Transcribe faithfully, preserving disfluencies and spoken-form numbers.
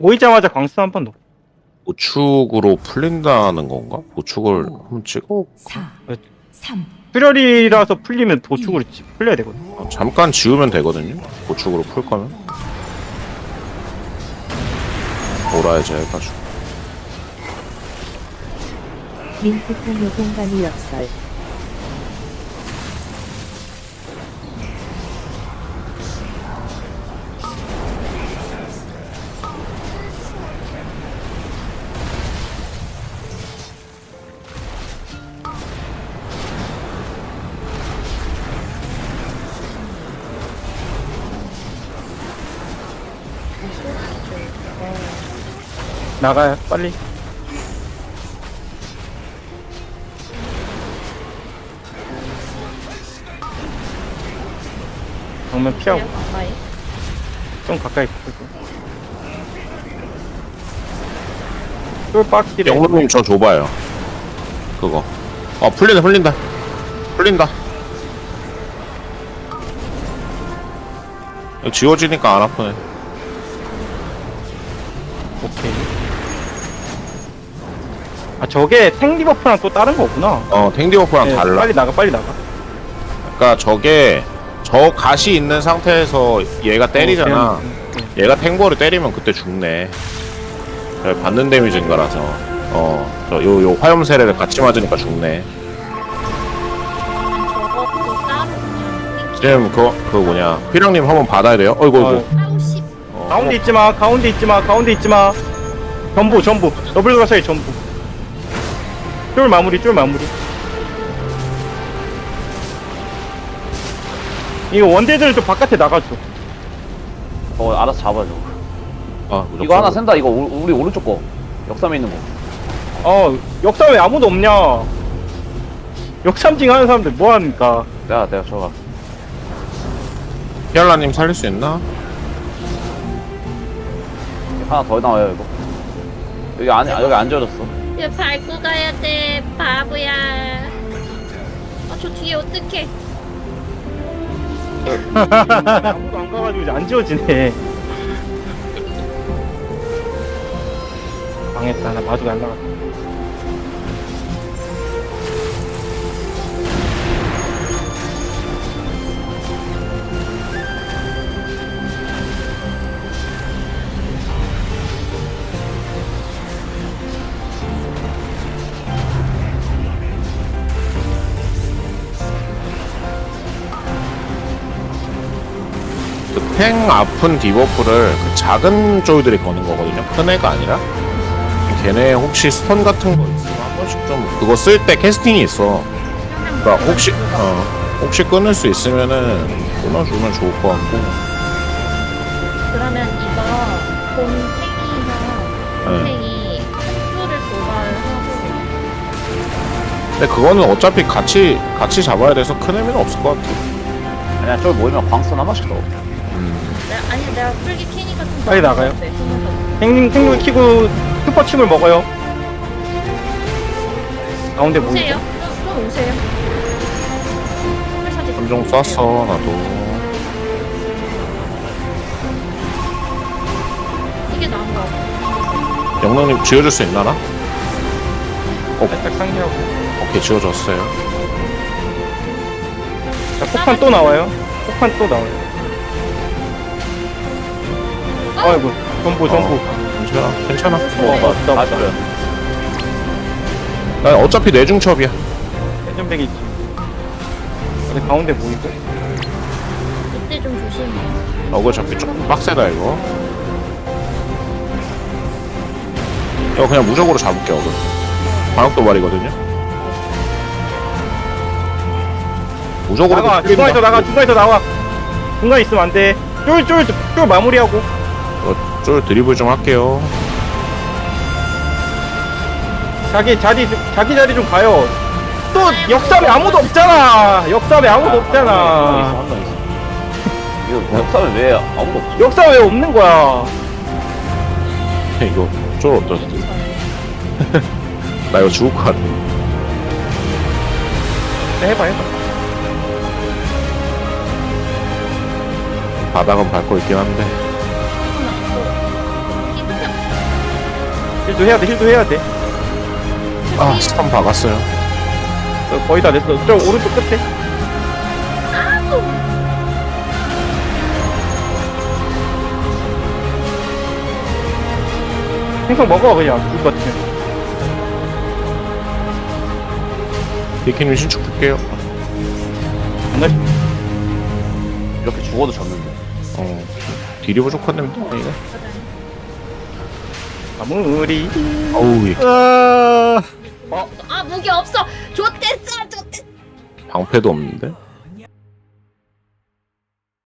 모이자마자 광수 한 번 넣고. 보축으로 풀린다는 건가? 보축을 한번 찍어. 사, 네. 삼, 출혈이라서 풀리면 도축으로 지- 풀려야 되거든. 어, 잠깐 지우면 되거든요. 보축으로 풀 거면. 돌아야지 해가지고. 민트콩의 공간이 역설. 나가요, 빨리. 정면 피하고 가까이. 좀 가까이 붙고. 쫄빡기래. 영로님 저 줘봐요. 그거. 어 풀린다 풀린다. 풀린다. 이거 지워지니까 안 아프네. 오케이. 아 저게 탱 리버프랑 또 다른 거구나. 어 탱디워프랑 네, 달라. 빨리 나가, 빨리 나가. 그러니까 저게 저 가시 있는 상태에서 얘가 때리잖아. 어, 그냥, 음, 얘가 탱버를 때리면 그때 죽네. 저기 받는 데미지인 거라서. 어, 저 요 요 화염 세례를 같이 맞으니까 죽네. 저것도 따로 그냥. 지금 그거 그 뭐냐 휘령님 한번 받아야 돼요. 어이구 어, 어이구. 아우 씨. 어, 가운데 있지 마, 가운데 있지 마, 가운데 있지 마. 전부, 전부. 더블 가사의 전부. 쫄 마무리, 쫄 마무리. 이거 원딜들 좀 바깥에 나가줘. 어 알아서 잡아줘. 아, 무조건. 이거 하나 센다. 이거 우- 우리 오른쪽 거 역삼에 있는 거. 어, 역삼 왜 아무도 없냐? 역삼징 하는 사람들 뭐 합니까? 내가 내가 저가. 히알라님 살릴 수 있나? 하나 더 나와요 이거. 여기 안 여기 안 지워졌어. 이거 밟고 가야 돼, 바보야. 아, 저 뒤에 어떡해. 아무도 안 가가지고 이제 안 지워지네. 망했다, 나 마주가 안 나갔다. 그 팽 아픈 디버프를 그 작은 쫄들이 거는 거거든요. 큰 애가 아니라. 걔네 혹시 스턴 같은 거 있으면 한 번씩 좀 그거 쓸 때 캐스팅이 있어. 그러니까 혹시 어 혹시 끊을 수 있으면은 끊어주면 좋을 것 같고. 그러면 이거 곰탱이나 네. 곰탱이 흡수를 도발하고. 근데 그거는 어차피 같이 같이 잡아야 돼서 큰 의미는 없을 것 같아. 아니야 저기 모이면 광선 한 번씩 넣어. 내가, 아니, 내가 풀기 캐니까 좀. 빨리 나은 것 나가요. 같아, 숨어서. 탱, 탱글 키고 슈퍼침을 먹어요. 가운데 뭐 오세요. 있죠? 좀, 좀 오세요. 사진 삼종 쐈어 나도. 이게 나은 것 같아. 영랑님 지워줄 수 있나나? 어, 살짝 상기하고. 오케이 지워졌어요. 자, 폭탄 또 나와요. 폭탄 또 나와요. 아이고, 전부, 전부. 괜찮아, 괜찮아. 어, 맞다, 맞다. 맞아요. 난 어차피 내중첩이야. 회전백이 있지. 근데 가운데 보이고. 이때 좀 조심해. 어글 잡기 조금 빡세다 이거. 이거 그냥 무적으로 잡을게 어글. 방역 도발이거든요. 무적으로 나가, 중간에서 나가, 중간에서 나와. 중간에 있으면 안 돼. 쫄, 쫄, 쫄 마무리하고. 어, 쫄 드리블 좀 할게요. 자기 자리, 자기 자리 좀 가요. 또 역삼에 아무도 없잖아. 역삼에 아무도 없잖아. 한명 있어. 이거 역삼에 왜 아무도 없지? 역삼 왜 없는 거야? 이거 쫄 어떠지? 나 이거 죽을 것 같아. 네, 해봐, 해봐. 바닥은 밟고 있긴 한데. 이렇게 힐도 해야 돼 힐도 해야 돼. 아 스턴 박았어요. 어, 거의 다 됐어. 저 오른쪽 끝에. 생선 먹어 그냥 죽을 것 같으면. 데키님 신축 볼게요. 안 이렇게 죽어도 졌는데. 어 딜이 부족한데 이거. 마무리. 어우 예. 아 무기 없어. 좋댔어 좋댔. 방패도 없는데.